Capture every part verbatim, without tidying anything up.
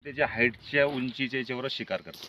त्याच्या हाईटच्या उंचीच्या याच्यावर शिकार करतात.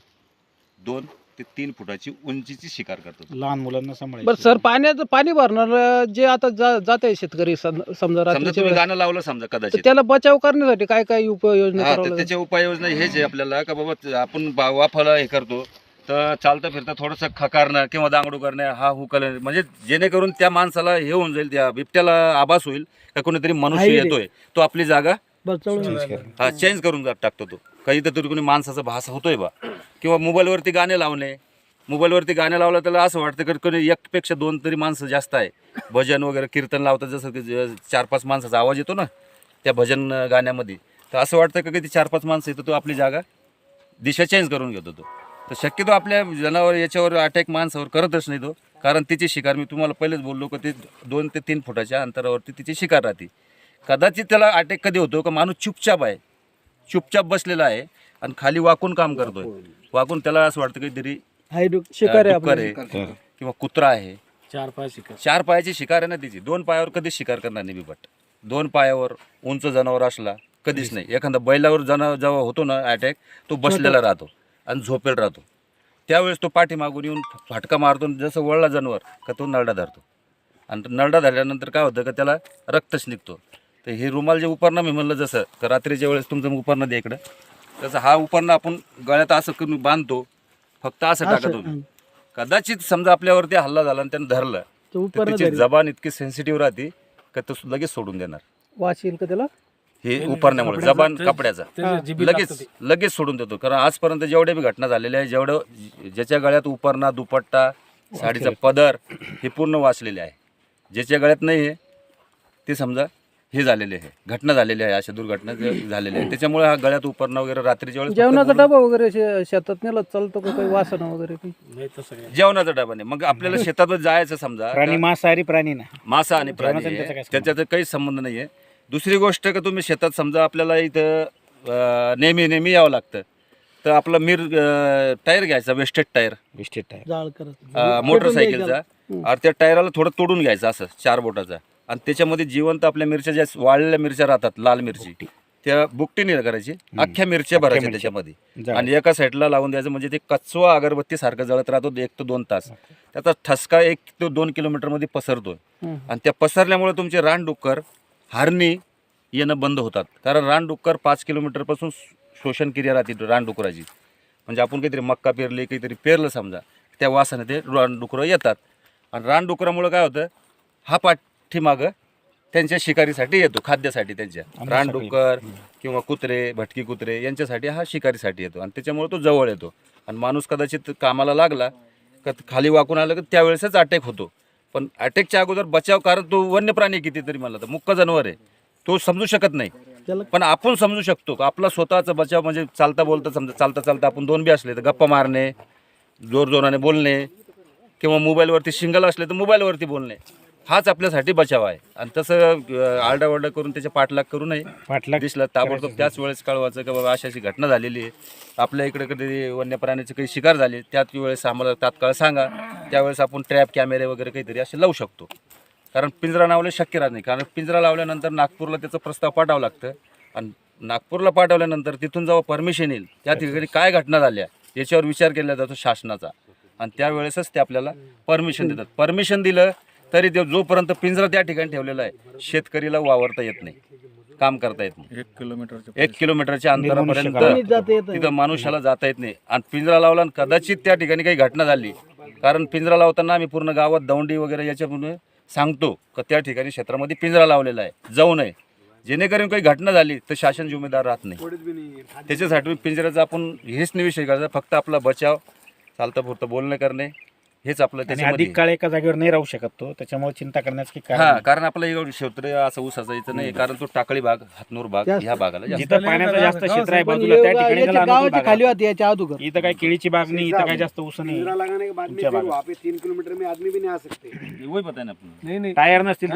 दोन ते तीन फुटाची उंचीची शिकार करतात. लहान मुलांना सांभाळायचं. बरं सर, पाण्याचं पाणी भरणार जे आता जा जात आहे शेतकरी सम- समजा समजा रात्रीच्या तुम्ही वेळेस, गाणं लावलं समजा तर कदाचित, त्याला बचाव करण्यासाठी काय काय उपाययोजना हा करावं तर लागेल? त्याच्या उपाययोजना हेच आहे आपल्याला का बाबा आपण बा- वाफाला हे करतो तर चालता फिरता थोडंसं खकारणं किंवा दांगडू करणं, हा हुकल, म्हणजे जेणेकरून त्या माणसाला हे होऊन जाईल, त्या बिबट्याला आभास होईल का कोणीतरी मनुष्य आहे रे. येतोय, तो आपली जागा बचावून हा चेंज करून जा- टाकतो. तो काही तरी कोणी माणसाचा भास होतोय बा. किंवा मोबाईलवरती गाणे लावणे, मोबाईलवरती गाणे लावलं त्याला असं वाटतं की कोणी एकपेक्षा दोन तरी माणसं जास्त आहे. भजन वगैरे कीर्तन लावतात, जसं की ज- चार पाच माणसाचा आवाज येतो ना त्या भजन गाण्यामध्ये, तर असं वाटतं का की चार पाच माणसं येतो, तो आपली जागा दिशा चेंज करून घेतो. तो तर शक्यतो आपल्या जनावर याच्यावर अटॅक माणसावर करतच नाही तो, कारण तिची शिकार मी तुम्हाला पहिलेच बोललो की ते दोन ते तीन फुटाच्या अंतरावरती तिची शिकार राहते. कदाचित त्याला अटॅक कधी होतो का माणूस चुपचाप आहे, चुपचाप बसलेला आहे आणि खाली वाकून काम करतोय, वाकून त्याला असं वाटतं काहीतरी हाय डुक- शिकार आहे डुक्कर आपलं. आहे किंवा कुत्रा आहे. चार पाय शिकार. चार पायाची शिकार आहे ना तिची, दोन पायावर कधीच शिकार करणार नाही बिबट. दोन पायावर उंच जनावर असला कधीच नाही. एखादा बैलावर जनावर जेव्हा होतो ना अटॅक, तो बसलेला राहतो आणि झोपेल राहतो. त्यावेळेस तो पाठीमागून येऊन फाटका मारतो, जसं वळला जनावर का तो नरडा धरतो, आणि नरडा धरल्यानंतर काय होतं का त्याला रक्तच निघतो. तर हे रुमाल जे उपरणं मी म्हणलं, जसं का रात्रीच्या वेळेस तुमचं उपरणं दे इकडं, तसं हा उपरणं आपण गळ्यात असं करून बांधतो, फक्त असं टाका तुम्ही. कदाचित समजा आपल्यावरती हल्ला झाला आणि त्यानं धरलं तो तर उपरणं त्याची धरेल. जबान इतकी सेन्सिटिव्ह राहते का तो लगेच सोडून देणार. वास येईल का त्याला? हे उपरण्यामुळे जबान कपड्याचा लगेच लगेच सोडून देतो. कारण आजपर्यंत जेवढ्या बी घटना झालेल्या आहे, जेवढं ज्याच्या गळ्यात उपरणा, दुपट्टा, साडीचा पदर हे पूर्ण वाचलेले आहे. ज्याच्या गळ्यात नाही आहे ते समजा हे झालेले आहे, घटना झालेली आहे, अशा दुर्घटना जे झालेल्या आहेत. त्याच्यामुळे हा गळ्यात उपरणं वगैरे रात्रीच्या वेळेस जेवणाचा डबा वगैरे शे- शेतात नेला चालतो का? काही वासना वगैरे काही? नाही तसं काय. जेवणाचा डबा नाही. मग आपल्याला शेतातच जायचं समजा, प्राणी मांसाहारी प्राणी ना. मासा आणि प्राणी जेवणाचा त्याचा काय आहे, संबंध? त्याच्यात काही संबंध नाही आहे. दुसरी गोष्ट का तुम्ही शेतात समजा आपल्याला इथं अं, नेहमी नेहमी यावं लागतं, तर आपला मिर अं, टायर घ्यायचा, वेस्टेड टायर विस्टेट आहे. जाळ करत अं, मोटरसायकलचा, आणि त्या टायराला थोडं तोडून घ्यायचं असं चार बोटाचा, आणि त्याच्यामध्ये जिवंत आपल्या मिरच्या ज्या वाळलेल्या मिरच्या राहतात, लाल मिरची, त्या बुकटीने करायची, अख्ख्या मिरच्या भरायच्या मिरच्या. त्याच्यामध्ये, जाळ. आणि एका साईडला लावून द्यायचं. म्हणजे ते कचवा अगरबत्ती सारखं जळत राहतो एक ते दोन तास. त्याचा ठसका एक ते दोन किलोमीटरमध्ये पसरतो, हं. आणि त्या पसरल्यामुळे तुमचे रानडुक्कर, हरणी येणं बंद होतात. कारण रानडुक्कर पाच किलोमीटरपासून शोषण क्रिया राहते रानडुकराची. म्हणजे आपण काहीतरी मक्का पेरली, काहीतरी पेरलं समजा, त्या वासाने ते रानडुकरं येतात, आणि रानडुकरामुळं काय होतं, हा पाठीमागं त्यांच्या शिकारीसाठी येतो, खाद्यासाठी त्यांच्या. रानडुक्कर किंवा कुत्रे, भटकी कुत्रे यांच्यासाठी हा शिकारीसाठी येतो, आणि त्याच्यामुळे तो जवळ येतो. आणि माणूस कदाचित कामाला लागला का खाली वाकून आलं की त्यावेळेसच अटॅक होतो. पण अटॅकच्या अगोदर बचाव, कारण तो वन्य प्राणी कितीतरी म्हणला तर मुक्क जनावर आहे, तो समजू शकत नाही. त्याला पण आपण समजू शकतो का आपला स्वतःचा बचाव. म्हणजे चालता बोलता समजा, चालता चालता आपण दोन बी असले तर गप्पा मारणे, जोर जोराने बोलणे, किंवा मोबाईलवरती शिंगल असले तर मोबाईलवरती बोलणे, हाच आपल्यासाठी बचाव आहे. आणि तसं अं, आरडाओरडा करून त्याच्या पाठलाग करू नये. पाठलाग दिसलं ताबडतोब त्याच वेळेस कळवायचं की बाबा अशी अशी घटना झालेली आहे, आपल्या इकडे कधी वन्य प्राण्याची काही शिकार झाली, त्याच वेळेस आम्हाला तात्काळ सांगा. त्यावेळेस आपण ट्रॅप कॅमेरे वगैरे काहीतरी असे लावू शकतो. कारण पिंजरा लावले शक्य राहत नाही, कारण पिंजरा लावल्यानंतर नागपूरला त्याचा प्रस्ताव पाठवावा लागतं, आणि नागपूरला पाठवल्यानंतर तिथून जेव्हा परमिशन येईल, त्या ठिकाणी काय घटना झाल्या याच्यावर विचार केला जातो शासनाचा, आणि त्यावेळेसच ते आपल्याला परमिशन देतात. परमिशन दिलं तरी ते जोपर्यंत पिंजरा त्या ठिकाणी ठेवलेला आहे, शेतकरीला वावरता येत नाही, काम करता येत नाही. एक किलोमीटर एक किलोमीटरच्या अंतरापर्यंत कोणीच जाता येत नाही. तिथं माणूसाला जाता येत नाही. आणि पिंजरा लावला आणि कदाचित त्या ठिकाणी काही घटना झाली, कारण पिंजरा लावताना आम्ही पूर्ण गावात दौंडी वगैरे याच्यामुळे सांगतो का त्या ठिकाणी क्षेत्रामध्ये पिंजरा लावलेला आहे, जाऊ नये. जेणेकरून काही घटना झाली तर शासन जिम्मेदार राहत नाही. त्याच्यासाठी पिंजऱ्याचा आपण हेच नाही विषय करायचा, फक्त आपला बचाव, चालतं पुरतं बोलणं करणे, हेच आपलं आणि त्याच्यामध्ये. अधिक काळ एका जागेवर नाही राहू शकत तो, त्याच्यामुळे चिंता करण्याचं की हा, कारण कारण आपला एवढं क्षेत्र असं ऊसाचं इथं नाही, कारण तो टाकळी भाग, हातनूर भाग जास्त. ह्या भागाला जास्त. जिथं पाण्याचं जास्त क्षेत्र आहे पण बाजूला, त्या एवढा- ठिकाणी याच्या त्याला अनुकूल गावाच्या भाग खाली आहे. होती याच्या अगोदर. इथं काय केळीची बाग नाही, इथं काय जास्त ऊस नाही. लगाने के बाद में तुमच्या फिर भागात. वहाँ पे तीन किलोमीटर में आदमी भी नहीं आ सकते। वही पता है ना आपण. नाही नाही टायर नसतील